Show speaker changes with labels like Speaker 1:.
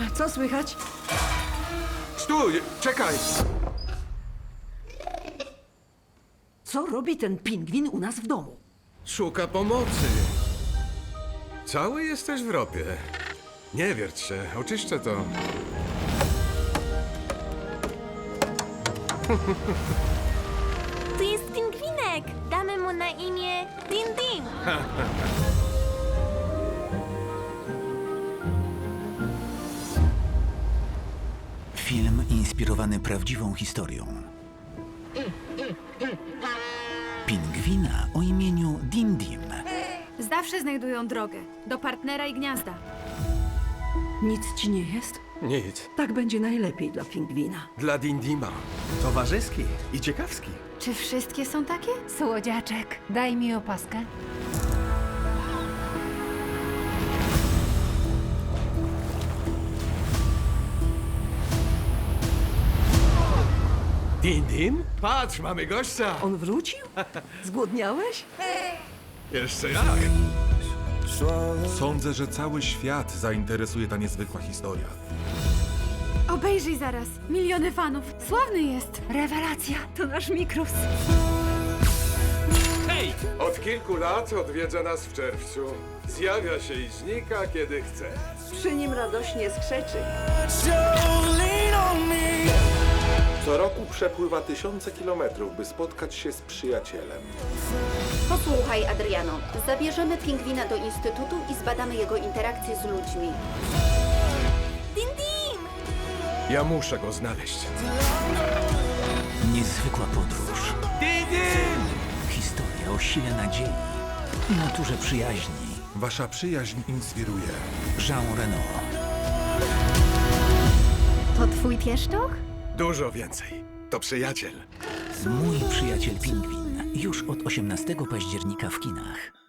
Speaker 1: Co słychać?
Speaker 2: Stój! Czekaj!
Speaker 1: Co robi ten pingwin u nas w domu?
Speaker 2: Szuka pomocy. Cały jesteś w ropie. Nie wierć się, oczyszczę to.
Speaker 3: Tu jest pingwinek! Damy mu na imię Din Din.
Speaker 4: Film inspirowany prawdziwą historią. Pingwina o imieniu Dim Dim.
Speaker 5: Zawsze znajdują drogę do partnera i gniazda.
Speaker 1: Nic ci nie jest?
Speaker 2: Nic.
Speaker 1: Tak będzie najlepiej dla pingwina.
Speaker 2: Dla Dindima.
Speaker 6: Towarzyski i ciekawski.
Speaker 5: Czy wszystkie są takie?
Speaker 7: Słodziaczek, daj mi opaskę.
Speaker 2: Dindim? Patrz, mamy gościa!
Speaker 1: On wrócił? Zgłodniałeś?
Speaker 2: Jeszcze jak?
Speaker 8: Sądzę, że cały świat zainteresuje ta niezwykła historia.
Speaker 5: Obejrzyj zaraz. Miliony fanów. Sławny jest.
Speaker 7: Rewelacja, to nasz Mikrus.
Speaker 2: Od kilku lat odwiedza nas w czerwcu. Zjawia się i znika, kiedy chce.
Speaker 1: Przy nim radośnie skrzeczy.
Speaker 9: Co roku przepływa tysiące kilometrów, by spotkać się z przyjacielem.
Speaker 10: Posłuchaj, Adriano. Zabierzemy pingwina do instytutu i zbadamy jego interakcje z ludźmi.
Speaker 3: Din Din!
Speaker 2: Ja muszę go znaleźć.
Speaker 4: Niezwykła podróż. Historia o sile nadziei i naturze przyjaźni.
Speaker 8: Wasza przyjaźń inspiruje.
Speaker 4: Jean Reno.
Speaker 5: To twój pieszczoch?
Speaker 2: Dużo więcej. To przyjaciel.
Speaker 4: Mój przyjaciel pingwin. Już od 18 października w kinach.